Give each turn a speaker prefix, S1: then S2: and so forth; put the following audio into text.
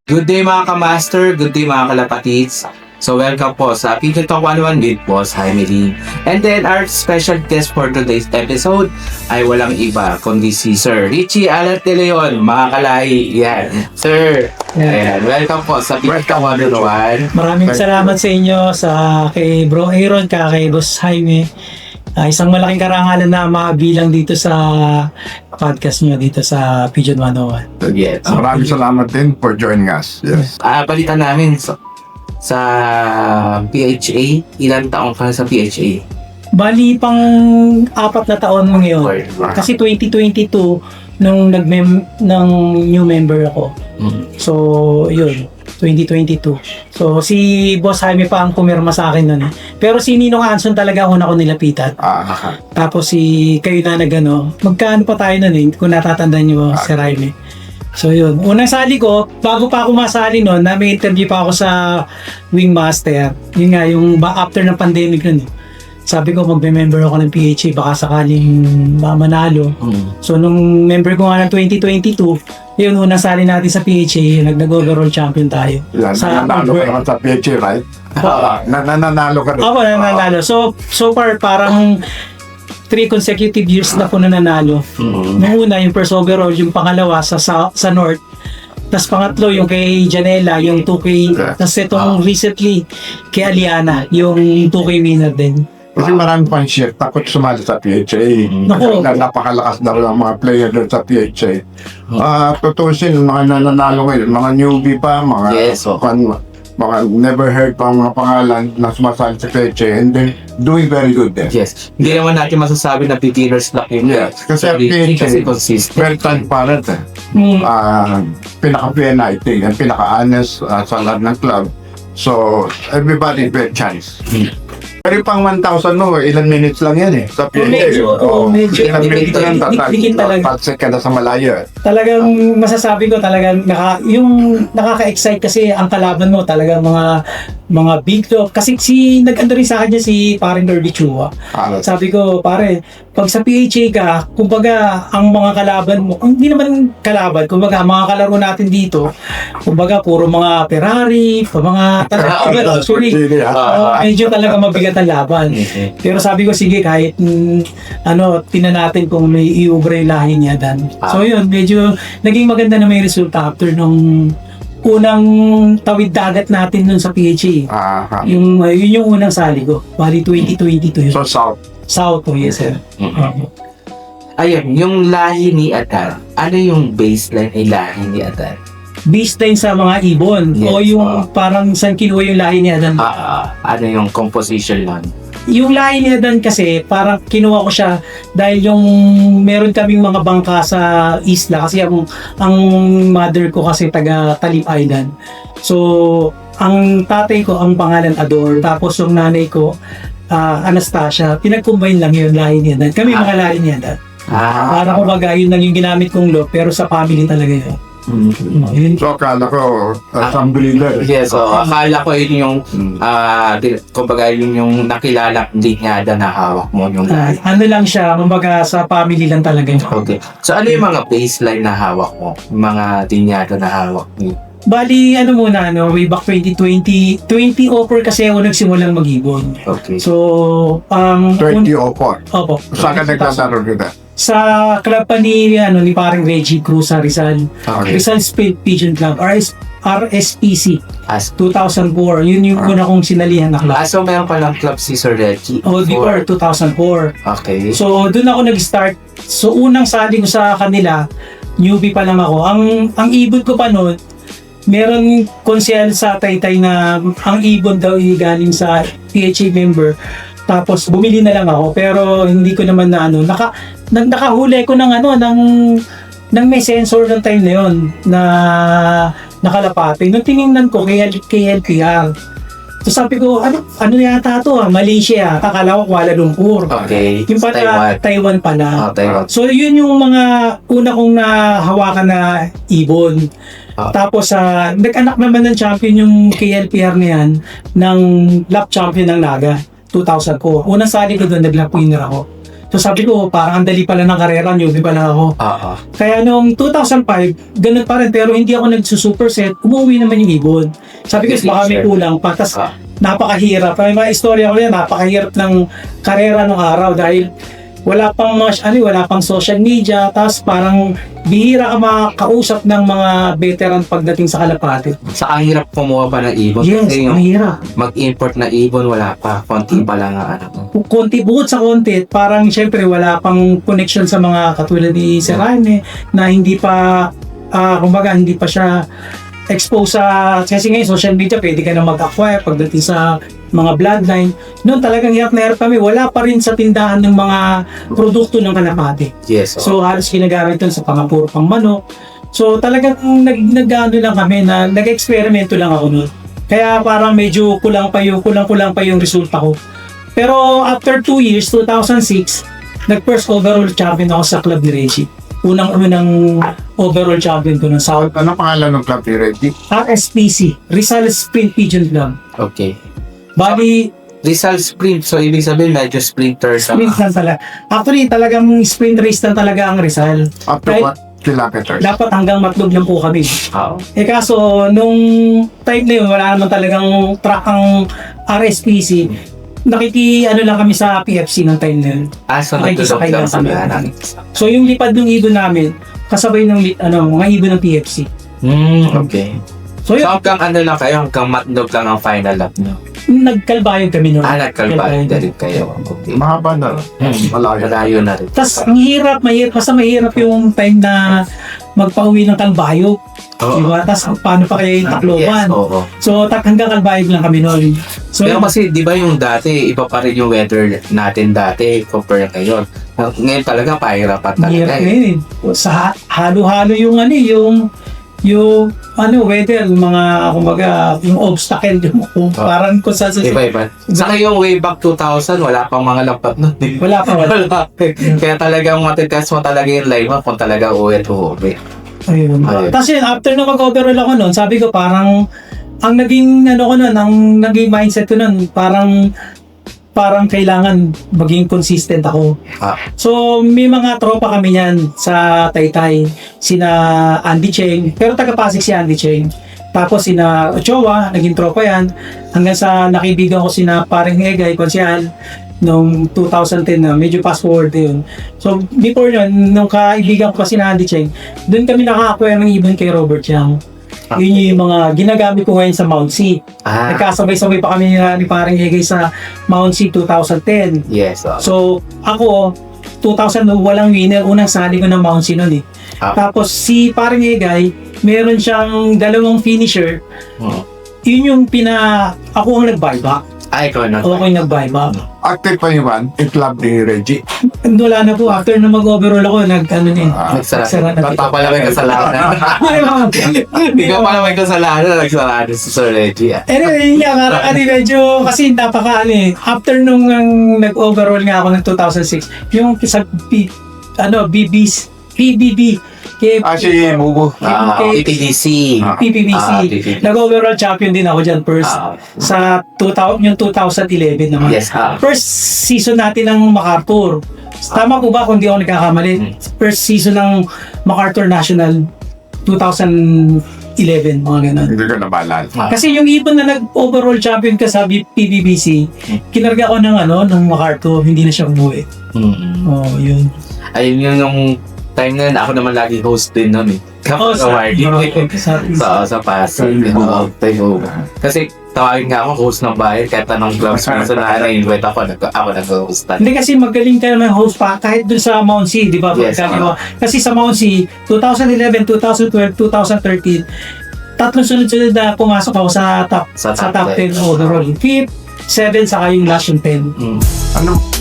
S1: Good day mga ka-master, good day mga kalapatids. So welcome po sa Pigeon Talk 101 with Boss Jaime Lee. And then our special guest for today's episode ay walang iba kundi si Sir Richie Alat de Leon, mga kalahi. Yan. Sir, ayan, welcome po sa Pigeon Talk 101.
S2: Maraming salamat sa inyo kay Bro Aaron, kay Boss Jaime. Isang malaking karangalan na mabilang dito sa podcast nyo dito sa Pigeon 101.
S1: Yes.
S3: Maraming salamat din for joining us. Yes.
S1: Palitan namin sa PHA. Ilan taong ka sa PHA?
S2: Bali pang 4 na taon mo ngayon. Kasi 2022 nung ng new member ako. So, yun. 2022. So, si Boss Jaime pa ang pumirma sa akin nun. Pero si Ninong Anson talaga una ko nilapitan. Tapos kayo na magkano pa tayo nun kung natatandaan nyo, Sir Jaime. So, yun. Unang sali ko, bago pa ako masali nun, may interview pa ako sa Wingmaster. Yun nga, yung after ng pandemic nun. Sabi ko, magbe-member ako ng PHA, baka sakaling manalo. So, nung member ko nga ng 2022, yun, unang sali natin sa PHA, nag-overall champion tayo.
S3: Nanalo ka naman sa PHA, right? Nanalo ka rin.
S2: Ako, nanalo. So far, parang 3 consecutive years na po nanalo. Nung una, yung first overall, yung pangalawa sa North. Tapos pangatlo, yung kay Janela, yung 2K. Tapos itong recently, kay Aliana, yung 2K winner din.
S3: Kasi marami pang shift, takot sumali sa PHA. Napakalakas na rin ang mga player doon sa PHA. Tutusin, mga nananalo ngayon, mga newbie pa, mga never heard pa mga pangalan na sumasali sa PHA and then doing very good there.
S1: Yes. Hindi naman natin masasabi na beginner's luck yun.
S3: Yes. Kasi PHA,
S1: kasi consistent.
S3: very transparent eh. Pinaka-PNIT, and pinaka-honest sa lahat ng club. So, everybody get chance. Pero pang 1,000 mo, ilan minutes lang yan eh. Sa PHA.
S2: Medyo.
S3: Ilan minutes lang,
S2: Dikit talaga.
S3: tatsik ka na sa malayo eh.
S2: Talagang masasabi ko talagang yung nakaka-excite kasi ang kalaban mo talagang mga big dog. Kasi nag-ando rin sa kanya si parang Derby Chua. Sabi ko, pare, pag sa PHA ka, kumbaga ang mga kalaban mo, hindi naman kalaban, kumbaga mga kalaro natin dito, kumbaga puro mga Ferrari, medyo talaga mabigat ang laban. Pero sabi ko, sige, kahit tinan natin kung may iubre lahi niya dan. So yun, medyo naging maganda na may resulta after nung unang tawid dagat natin nun sa PHA. Yun yung unang sali ko. Bali 2022 yun.
S3: So,
S2: South po, yes sir.
S1: Ayun, yung lahi ni Adar. Ano yung baseline ay lahi ni Adar?
S2: Baseline sa mga ibon.
S1: Yes.
S2: O yung parang saan kinuha yung lahi ni Adan.
S1: Ano yung composition nun?
S2: Yung lahi ni Adan kasi parang kinuha ko siya dahil yung meron kaming mga bangka sa isla kasi ang mother ko kasi taga Talib Island. So ang tatay ko ang pangalan Ador, tapos yung nanay ko Anastasia. Pinag-combine lang yung lahi ni Adan. Kami mga lahi ni Adan. Para kumbaga yun lang yung ginamit kong law pero sa family talaga yun.
S3: So, akala ko, Sambriller.
S1: Yes, so akala ko yun yung, kumbaga yun yung nakilala linyada na hawak mo yung lahi.
S2: Ano lang siya, kumbaga sa family lang talaga yun.
S1: Okay. So ano yung mga baseline na hawak mo? Yung mga linyada na hawak mo?
S2: Bali, way back 2020 offer kasi ako nagsimulang mag-ibon.
S1: Okay.
S2: So,
S3: 2004.
S2: Opo.
S3: Saan ka naglalaro kita?
S2: Sa club pa ni parang Reggie Cruz sa Rizal.
S3: Okay.
S2: Rizal Spade Pigeon Club, RSPC.
S1: As
S2: 2004. Yun yung una kong sinalihan na club.
S1: so meron palang club si Sir Reggie?
S2: Before 2004.
S1: Okay.
S2: So, doon ako nag-start. So, unang sali ko sa kanila, newbie pa lang ako. Ang ibon ko pa noon, meron konsehal sa Taytay na ang ibon daw galing sa PHA member. Tapos bumili na lang ako pero hindi ko naman na nakahuli ko ng may sensor ng time na yon na nakalapate. Nung tiningnan ko kay LPR. So sabi ko, ano yata to Malaysia, akala ko Kuala Lumpur.
S1: Okay.
S2: Yung pala, Taiwan pala.
S1: Taiwan.
S2: So yun yung mga una kong nahawakan na ibon. Tapos nag-anak naman ng champion yung KLPR na yan ng lap champion ng Naga 2004. Unang sali ko doon, nag-lap winner ako. So sabi ko, parang ang dali pala ng karera, newbie pa lang ako.
S1: Oo.
S2: Kaya noong 2005, ganun pa rin, pero hindi ako nagsusuperset, umuwi naman yung ibon. Sabi ko, baka may kulang pa. Tapos, napakahirap. May mga istorya ko yan, napakahirap ng karera nung araw dahil wala pang wala pang social media, tapos parang bihira ka makausap ng mga veteran pagdating sa kalapati.
S1: Sa ang hirap kumuha pa ng ibon.
S2: Yes,
S1: Kasi
S2: ang
S1: yung
S2: hirap.
S1: mag-import na ibon, wala pa. Konti pa lang ang ano.
S2: Konti, bukod sa konti, parang syempre wala pang connection sa mga katulad ni Sir Jaime na hindi pa, kumbaga hindi pa siya exposed sa, kasi ngayon social media, pwede ka na mag-acquire pagdating sa mga bloodline. Noon talagang hirap na hirap kami, wala pa rin sa tindahan ng mga produkto ng kalapati.
S1: Yes.
S2: So halos ginagamit doon sa pangapuro pang manok. So talagang nag-ano lang kami na nag-eksperimento lang ako noon. Kaya parang medyo kulang pa yung resulta ko. Pero after 2 years, 2006, nag-first overall champion ako sa club ni Reggie. Unang overall champion ko ng South.
S3: Ano pangalan ng club ni Reggie?
S2: RSPC, Rizal Sprint Pigeon Club.
S1: Okay.
S2: Bali,
S1: Rizal Sprint. So, ibig sabihin, medyo sprinter sa...
S2: sprint lang talaga. Actually, talagang sprint race lang talaga ang Rizal.
S3: Up to
S2: Kahit
S3: what kilometers?
S2: dapat hanggang Matlog lang po kami.
S1: Oo.
S2: Kaso, nung time na yun, wala naman talagang track ang RSPC. Ano lang kami sa PFC ng time na yun.
S1: So
S2: Nakikisakay
S1: nagtulog lang
S2: lang
S1: sa
S2: kami.
S1: biyanan.
S2: So, yung lipad ng ibon namin, kasabay ng mga ibon ng PFC.
S1: Okay.
S2: So,
S1: So,
S2: yun,
S1: hanggang ano lang kayo, hanggang matnog lang ang final lap nyo.
S2: nagkalbayog kami noon.
S1: Nagkalbayan na rin kayo. Okay.
S3: Mahaba na. Malayo.
S1: Malayo na rin.
S2: Tapos, ang hirap, basta mahirap yung time na magpauwi ng Kalbayog.
S1: Oo.
S2: Diba? Tapos, paano pa kaya yung Tacloban?
S1: Yes, oo.
S2: So, hanggang Kalbayog lang kami noon. So,
S1: Pero kasi, di ba yung dati, iba pa rin yung weather natin dati compare ngayon. Ngayon talaga, pahirapan talaga.
S2: mahirap ngayon. Sa halo-halo yung weather, mga, kumbaga, yung obstacle, yung parang kung sa
S1: Iba-iba. Saka yung way back 2000, wala pang mga lampat nun.
S2: wala pa.
S1: Kaya talagang matitest mo talaga yung live mo kung talaga uwi at uuwi.
S2: Ayun.
S1: Ayun.
S2: Tapos yun, after na mag-overall ako noon, sabi ko parang, ang naging mindset ko noon, parang kailangan maging consistent ako. So, may mga tropa kami yan sa Taytay. Sina Andy Cheng, pero taga-Pasig si Andy Cheng. Tapos sina Ochoa, naging tropa yan. Hanggang sa nakibigan ko sina Paring Egay, konsyal, noong 2010 na, medyo fast forward yun. So, before yun, nung kaibigan ko pa sina Andy Cheng, doon kami naka-acquire ng ibon kay Robert Yang. Yun yung mga ginagamit ko ngayon sa Mount C. Nagkasabay-sabay pa kami ni Paring Egay sa Mount C 2010.
S1: Yes.
S2: So, ako, 2000 walang winner, unang sali ko ng Mount C noon eh. Tapos si Paring Egay, meron siyang dalawang finisher. Yun yung ako ang nag-buyback.
S1: Ikaw na.
S2: Ako yung nag-buyback.
S3: Active pa yung club ni Reggie.
S2: Wala na po, after na mag-overall ako, nagsara na.
S1: Pala may kasalanan. Ikaw pala may kasalanan, nagsara si Sir Reggie.
S2: Anyway, yun nga, medyo, kasi after nung nag-overall nga ako ng 2006, yung sa PBB,
S3: Si Mubo.
S1: PPDC.
S2: PPBC. Nag-overall champion din ako dyan first sa 2011 naman.
S1: Yes.
S2: First season natin ng MacArthur. Tama po ba kung di ako nagkakamali? First season ng MacArthur National 2011, mga ganun.
S3: Hindi ko nabalal.
S2: Kasi yung ibon na nag-overall champion ka sa PBBC, kinarga ko ng MacArthur, hindi na siya umuwi. Yun.
S1: Ayun yung time na yun, ako naman lagi host din nun eh. Kapag awarding. Sa Pasig. Kasi tawagin nga ako host ng bayan kahit anong clubs mo sa na-invite ako nag-hostan.
S2: Hindi kasi magaling kayo ng host pa kahit dun sa Mount C, di ba?
S1: Yes,
S2: kasi sa Mount C, 2011, 2012, 2013, tatlong sunod-sunod na pumasok ako sa top 10 overall. 5th, 7, saka yung last yung 10.
S3: Ano